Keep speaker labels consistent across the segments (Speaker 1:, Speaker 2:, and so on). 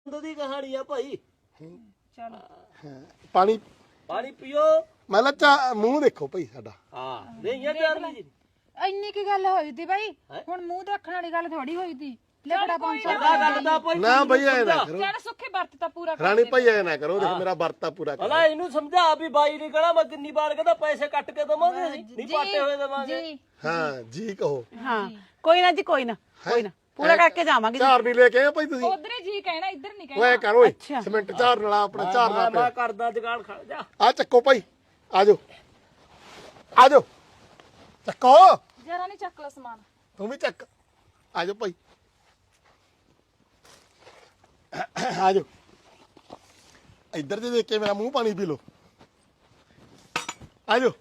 Speaker 1: ਦੀ ਕਹਾਣੀ ਆ ਭਾਈ।
Speaker 2: ਚਲ
Speaker 3: ਪਾਣੀ
Speaker 1: ਪਾਣੀ ਪੀਓ।
Speaker 3: ਮੈਂ ਲਾ ਮੂੰਹ ਦੇਖੋ ਭਾਈ ਸਾਡਾ।
Speaker 1: ਹਾਂ ਨਹੀਂ ਇਹ ਚਾਰਨੀ ਜੀ
Speaker 2: ਇੰਨੀ ਕੀ ਗੱਲ ਹੋਈ ਤੀ ਬਾਈ ਹੁਣ ਮੂੰਹ ਦੇਖਣ ਵਾਲੀ ਗੱਲ ਥੋੜੀ ਹੋਈ ਤੀ ਲਫੜਾ ਪਹੁੰਚਾ
Speaker 1: ਪਤਾ ਗੱਲ ਦਾ ਭਾਈ
Speaker 3: ਨਾ ਬਈ ਐ ਨਾ ਕਰੋ
Speaker 2: ਚੱਲ ਸੁੱਖੇ ਵਰਤ ਤਾਂ ਪੂਰਾ ਕਰ
Speaker 3: ਰਾਣੀ ਭਾਈ ਐ ਨਾ ਕਰੋ ਦੇਖ ਮੇਰਾ ਵਰਤਾ ਪੂਰਾ ਕਰੋ।
Speaker 1: ਭਲਾ ਇਹਨੂੰ ਸਮਝਾ ਵੀ ਬਾਈ ਨਹੀਂ ਕਹਣਾ ਮੈਂ ਕਿੰਨੀ ਵਾਰ ਕਹਿੰਦਾ ਪੈਸੇ ਕੱਟ ਕੇ ਦਵਾਂਗੇ ਅਸੀਂ ਨਹੀਂ ਪਾਟੇ ਹੋਏ ਦਵਾਂਗੇ।
Speaker 2: ਜੀ
Speaker 3: ਹਾਂ ਜੀ ਕਹੋ।
Speaker 4: ਹਾਂ ਕੋਈ ਨਾ ਜੀ ਕੋਈ ਨਾ ਪੂਰਾ ਕਰਕੇ ਜਾਵਾਂਗੇ
Speaker 3: ਝਾਰ ਨਹੀਂ ਲੈ ਕੇ ਆਏ ਭਾਈ ਤੁਸੀਂ।
Speaker 2: ਉਧਰੇ ਜੀ ਕਹਿਣਾ ਇੱਧਰ ਨਹੀਂ ਕਹਿਣਾ
Speaker 3: ਓਏ ਕਰ ਓਏ ਸਿਮੈਂਟ ਝਾਰ ਨਾਲ ਆਪਣਾ ਝਾਰ ਨਾਲ
Speaker 1: ਮੈਂ ਕਰਦਾ ਜਗਾੜ ਖੜ ਜਾ।
Speaker 3: ਆ ਚੱਕੋ ਭਾਈ ਆਜੋ ਆਜੋ ਚੱਕੋ
Speaker 2: ਜਰਾ ਨਹੀਂ ਚੱਕ ਲਾ ਸਮਾਨ
Speaker 3: ਤੂੰ ਵੀ ਚੱਕ ਆਜੋ ਭਾਈ ਆਜੋ ਇੱਧਰ ਦੇ ਦੇਖ ਕੇ ਮੇਰਾ ਮੂੰਹ ਪਾਣੀ ਪੀ ਲੋ ਆਜੋ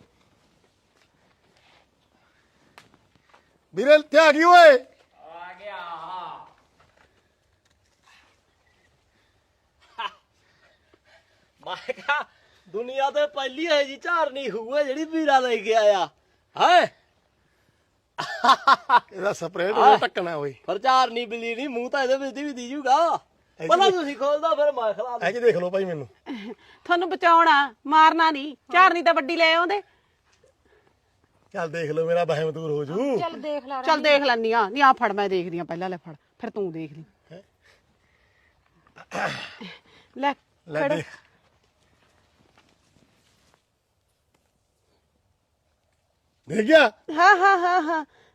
Speaker 3: ਵੀਰੇ ਤੇ ਆ ਗਈ ਓਏ
Speaker 1: ਆ ਗਿਆ ਮੈਂ ਕਿਹਾ ਦੁਨੀਆ ਤੇ ਪਹਿਲੀ ਹੈ ਜੀ ਝਾਰਨੀ ਹੋਊ ਜਿਹੜੀ ਵੀਰਾ ਲੈ ਕੇ ਆਇਆ ਹੈ।
Speaker 3: ਇਹਦਾ ਸਪਰੇਅ ਨੂੰ ਟੱਕਣਾ ਓਏ
Speaker 1: ਪਰ ਝਾਰਨੀ ਬਿੱਲੀ ਨਹੀਂ ਮੂੰਹ ਤਾਂ ਇਹਦੇ ਵਿੱਚ ਵੀ ਦੀ ਜੂਗਾ। ਪਹਿਲਾਂ ਤੁਸੀਂ ਖੋਲਦਾ ਫਿਰ ਮੈਂ ਖਲਾ
Speaker 3: ਐ ਕਿ ਦੇਖ ਲਓ ਭਾਈ ਮੈਨੂੰ
Speaker 4: ਤੁਹਾਨੂੰ ਬਚਾਉਣਾ ਮਾਰਨਾ ਨਹੀਂ ਝਾਰਨੀ ਤਾਂ ਵੱਡੀ ਲੈ ਆਉਂਦੇ।
Speaker 3: ਚੱਲ ਦੇਖ ਲਓ ਮੇਰਾ ਵਹਿਮ ਦੂਰ ਹੋ ਜੂ
Speaker 2: ਚੱਲ ਦੇਖ ਲੈ
Speaker 4: ਚੱਲ ਦੇਖ ਲੈਨੀ ਆ ਨਹੀਂ ਆ ਫੜ ਮੈਂ ਦੇਖਦੀ ਆ ਪਹਿਲਾਂ ਲੈ ਫੜ ਫਿਰ ਤੂੰ ਦੇਖ ਲਈ ਲੈ
Speaker 3: ਲੈ ਦੇਖ ਦੇਖ ਗਿਆ
Speaker 4: ਹਾਂ